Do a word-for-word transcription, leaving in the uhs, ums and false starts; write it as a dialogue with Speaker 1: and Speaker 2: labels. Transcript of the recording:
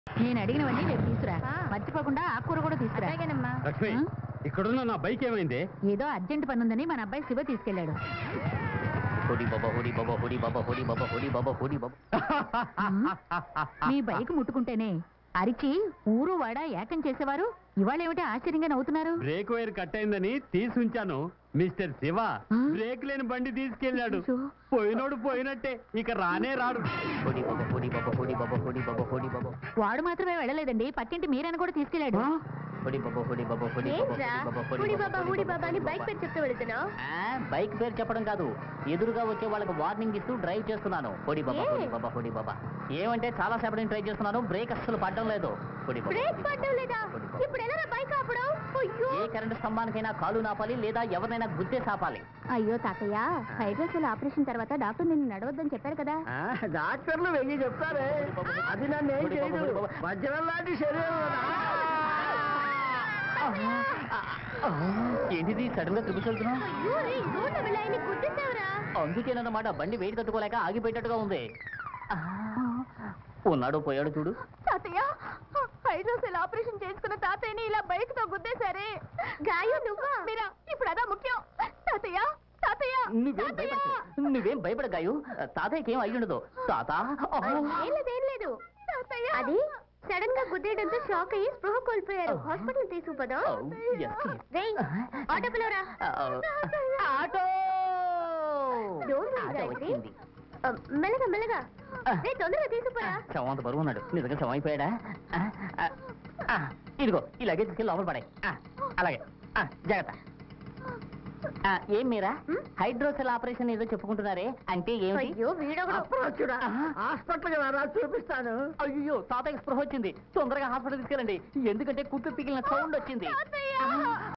Speaker 1: నేను అడిగినవన్నీ రేపు తీసుకురా. మర్చిపోకుండా ఆకుకూర కూడా తీసుకురా.
Speaker 2: లక్ష్మి, ఇక్కడున్న నా బైక్ ఏమైంది?
Speaker 1: ఏదో అర్జెంట్ పని ఉందని మన అబ్బాయి శివ తీసుకెళ్లాడు. మీ బైక్ ముట్టుకుంటేనే అరిచి ఊరు వాడ ఏకం చేసేవారు ఇవాళ ఏమిటి ఆశ్చర్యంగా నవ్వుతున్నారు?
Speaker 2: బ్రేక్ వైర్ కట్ అయిందని తీసి ఉంచాను. మిస్టర్ శివ బ్రేక్ లేని బండి తీసుకెళ్ళాడు. పోయినోడు పోయినట్టే, ఇక రానే రాడు.
Speaker 1: వాడు మాత్రమే వెళ్ళలేదండి, పక్కింటి మీరని కూడా తీసుకెళ్లాడు.
Speaker 3: బైక్ పేరు చెప్పడం కాదు, ఎదురుగా వచ్చే వాళ్ళకి వార్నింగ్ ఇస్తూ డ్రైవ్ చేస్తున్నాను. పొడి బాబా పొడి బాబా పొడి బాబా ఏమంటే చాలా సేపటి ట్రై చేస్తున్నాను, బ్రేక్ అస్సలు పడడం లేదు. ఏ కరెంటు స్తంభానికైనా కాలు నాపాలి లేదా ఎవరినైనా గుద్దే సాపాలి.
Speaker 1: అయ్యో తాతయ్య, హైడ్రోసెల్ ఆపరేషన్ తర్వాత డాక్టర్ నిన్ను నడవద్దని చెప్పారు కదా.
Speaker 4: డాక్టర్లు వెయ్యి చెప్తారే, అది నన్ను ఏం చేయదు. వజ్రం లాంటి శరీరం.
Speaker 3: ఏంటిది సడన్ గా తిరుగుతున్నావు? అందుకేనన్నమాట, బండి వెయిట్ తట్టుకోలేక ఆగిపోయేటట్టుగా ఉంది. ఉన్నాడు పోయాడు చూడు.
Speaker 1: తాతయ్య, హైడ్రోసెల్ ఆపరేషన్ చేసుకున్న తాతయ్యని ఇలా బైక్ తో గుద్దేశారే. గాయం నువ్వా మీరా? ఇప్పుడు అదా ముఖ్యం. తాతయ్య తాతయ్య
Speaker 3: నువ్వేం భయపడ నువ్వేం భయపడ గాయు, తాతయ్యకి ఏం అయ్యుండదు. తాత
Speaker 1: ఏం లేదు, అది సడన్ గా గుద్దేయడంతో షాక్ అయ్యి స్పృహ కోల్పోయారు. హాస్పిటల్ తీసుకుపోదాం. ఆటో పిలవరా.
Speaker 3: ఆటో
Speaker 1: వచ్చింది. మెల్లగా మెల్లగా తొందరగా తీసుకుపోరా.
Speaker 3: శవం అంత బరువు ఉన్నాడు, నిజంగా శవం అయిపోయాడా? ఇదిగో ఇలాగే తీసుకెళ్ళి లోపల పడాయి. అలాగే జాగ్రత్త. ఏం మీరా హైడ్రోసెల్ ఆపరేషన్ ఏదో చెప్పుకుంటున్నారే, అంటే ఏమిటి?
Speaker 4: హాస్పిటల్ చూపిస్తాను.
Speaker 3: అయ్యో తాతయ్య స్పృహ వచ్చింది, తొందరగా హాస్పిటల్ తీసుకెళ్ళండి, ఎందుకంటే కుట్టు పిగిలిన సౌండ్ వచ్చింది.